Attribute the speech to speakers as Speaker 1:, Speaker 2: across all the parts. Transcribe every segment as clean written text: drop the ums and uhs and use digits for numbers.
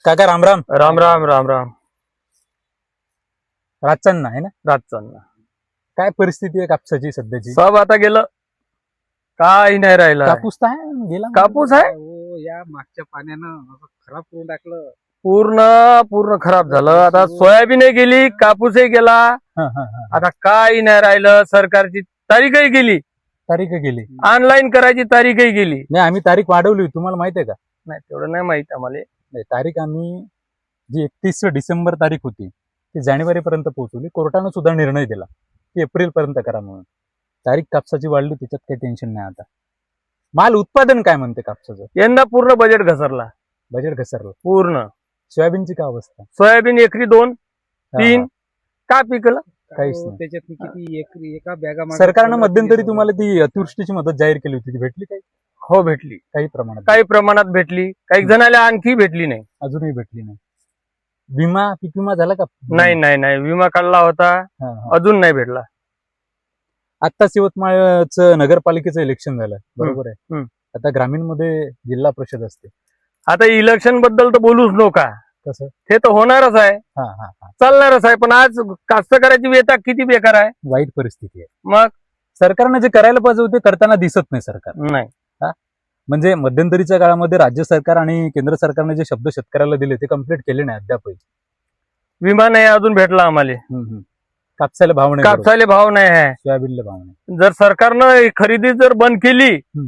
Speaker 1: काका राम राम.
Speaker 2: राम राम राम राम.
Speaker 1: रातचांना आहे ना.
Speaker 2: रातचांना
Speaker 1: काय परिस्थिती आहे कापसाची सध्याची?
Speaker 2: सब आता गेलं, काही नाही राहिलं.
Speaker 1: कापूस तर आहे गेला.
Speaker 2: कापूस आहे
Speaker 3: हो, या मागच्या पाण्यानं असं खराब करून टाकलं.
Speaker 2: पूर्ण पूर्ण खराब झालं. आता सोयाबीनही गेली, कापूसही गेला.
Speaker 1: हा, हा, हा.
Speaker 2: आता काही नाही राहिलं. सरकारची तारीखही गेली,
Speaker 1: तारीख गेली.
Speaker 2: ऑनलाईन करायची तारीखही गेली.
Speaker 1: नाही आम्ही तारीख वाढवली, तुम्हाला माहिती आहे का?
Speaker 2: नाही तेवढं नाही माहित आम्हाला.
Speaker 1: नाही तारीख आम्ही जी 31 डिसेंबर तारीख होती ती जानेवारी पर्यंत पोहोचवली. कोर्टानं सुद्धा निर्णय दिला की एप्रिल पर्यंत करा म्हणून. तारीख कापसाची वाढली, त्याच्यात काही टेन्शन नाही. आता माल उत्पादन काय म्हणते कापसाचं?
Speaker 2: यंदा पूर्ण बजेट घसरला,
Speaker 1: बजेट घसरलं.
Speaker 2: पूर्ण.
Speaker 1: सोयाबीनची काय अवस्था?
Speaker 2: सोयाबीन एकरी 2
Speaker 1: हा,
Speaker 2: 3
Speaker 1: हा.
Speaker 2: का पिकलं.
Speaker 1: काहीच
Speaker 3: हो,
Speaker 1: नाही.
Speaker 3: त्याच्यात किती एका बॅगा
Speaker 1: सरकारनं मध्यंतरी तुम्हाला ती अतिवृष्टीची मदत जाहीर केली होती, ती भेटली काही?
Speaker 2: हो भेटली,
Speaker 1: काही प्रमाणात
Speaker 2: काही प्रमाणात भेटली, काही जणाला आणखी भेटली नाही.
Speaker 1: अजूनही भेटली नाही. विमा पीक विमा झाला का?
Speaker 2: नाही नाही नाही, विमा काढला होता,
Speaker 1: हा, हा.
Speaker 2: अजून नाही भेटला.
Speaker 1: आत्ताच यवतमाळचं नगरपालिकेचं इलेक्शन झालं, बरोबर आहे.
Speaker 2: हम्म.
Speaker 1: आता ग्रामीण मध्ये जिल्हा परिषद असते.
Speaker 2: आता इलेक्शन बद्दल तर बोलूच नका,
Speaker 1: कसं?
Speaker 2: ते तर होणारच आहे,
Speaker 1: हा हा हा.
Speaker 2: चालणारच आहे. पण आज कास्तकाराची व्यथा किती बेकार आहे.
Speaker 1: वाईट परिस्थिती आहे.
Speaker 2: मग
Speaker 1: सरकारने जे करायला पाहिजे होते करताना दिसत नाही सरकार.
Speaker 2: नाही,
Speaker 1: म्हणजे मध्यंतरीच्या काळामध्ये राज्य सरकार आणि केंद्र सरकारने जे शब्द शेतकऱ्याला दिले ते कम्प्लीट केले नाही अद्यापही.
Speaker 2: विमा नाही अजून भेटला आम्हाला,
Speaker 1: कापसाला भाव नाही,
Speaker 2: कापसाले भाव नाही आहे.
Speaker 1: सोयाबीनला भाव नाही.
Speaker 2: जर सरकारनं ही खरेदी जर बंद केली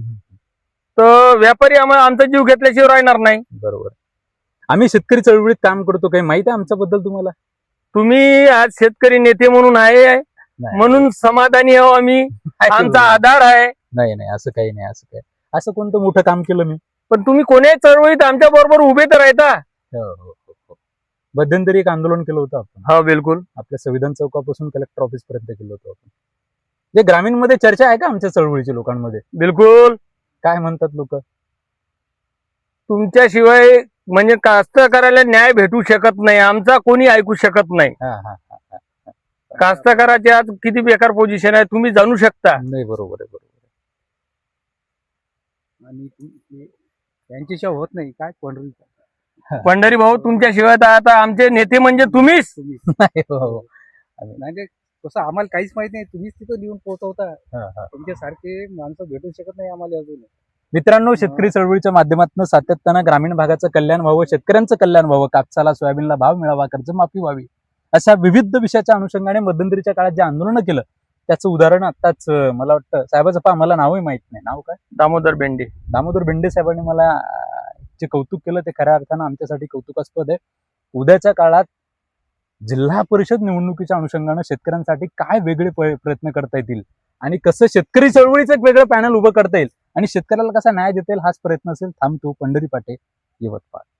Speaker 2: तर व्यापारी आमचा जीव घेतल्याशिवाय राहणार नाही.
Speaker 1: बरोबर. आम्ही शेतकरी चळवळीत काम करतो, काही माहिती आहे आमच्याबद्दल तुम्हाला?
Speaker 2: तुम्ही आज शेतकरी नेते म्हणून आहे,
Speaker 1: नाही.
Speaker 2: म्हणून समाधानी आहो आम्ही. आमचा आधार आहे.
Speaker 1: नाही नाही, असं काही नाही. असं काय, असं कोणतं मोठं काम केलं मी?
Speaker 2: पण तुम्ही कोण्याही चळवळीत आमच्या बरोबर उभे तर राहता.
Speaker 1: हो हो हो. मध्यंतरी एक आंदोलन केलं होतं आपण,
Speaker 2: हो बिलकुल.
Speaker 1: आपल्या संविधान चौकापासून कलेक्टर ऑफिस पर्यंत केलं होतं आपण. जे ग्रामीण मध्ये चर्चा आहे का आमच्या चळवळीच्या लोकांमध्ये?
Speaker 2: बिलकुल.
Speaker 1: काय म्हणतात लोक?
Speaker 2: तुमच्याशिवाय म्हणजे कास्तकाराला न्याय भेटू शकत नाही, आमचा कोणी ऐकू शकत नाही. कास्तकाराची आज किती बेकार पोझिशन आहे तुम्ही जाणू शकता.
Speaker 1: नाही, बरोबर आहे, बरोबर आहे.
Speaker 3: आणि त्यांच्याशिवाय होत नाही. काय
Speaker 2: पंढरी भाऊ, तुमच्याशिवाय तर आता आमचे नेते म्हणजे तुम्हीच.
Speaker 1: नाही, हो, हो.
Speaker 3: म्हणजे तसं आम्हाला काहीच माहित नाही. तुम्हीच तिथं लिहून पोहोचवता.
Speaker 1: हा, हा.
Speaker 3: तुमच्यासारखे माणसं भेटू शकत नाही आम्हाला अजून.
Speaker 1: मित्रांनो, शेतकरी चळवळीच्या माध्यमातून सातत्यानं ग्रामीण भागाचं कल्याण व्हावं, शेतकऱ्यांचं कल्याण व्हावं, कापसाला सोयाबीनला भाव मिळावा, कर्जमाफी व्हावी, अशा विविध विषयाच्या अनुषंगाने मध्यंतरीच्या काळात जे आंदोलन केलं त्याचं उदाहरण आताच मला वाटतं साहेबाचं पहा, मला नावही माहित नाही. नाव काय?
Speaker 2: दामोदर बेंडे.
Speaker 1: दामोदर बेंडे साहेबांनी मला जे कौतुक केलं ते खऱ्या अर्थानं आमच्यासाठी कौतुकास्पद आहे. उद्याच्या काळात जिल्हा परिषद निवडणुकीच्या अनुषंगानं शेतकऱ्यांसाठी काय वेगळे प्रयत्न करता येतील आणि कसं शेतकरी चळवळीचं एक वेगळं पॅनल उभं करता येईल आणि शेतकऱ्याला कसा न्याय देता येईल हाच प्रयत्न असेल. थांबतो. पंढरी पाटे, यवतमाळ.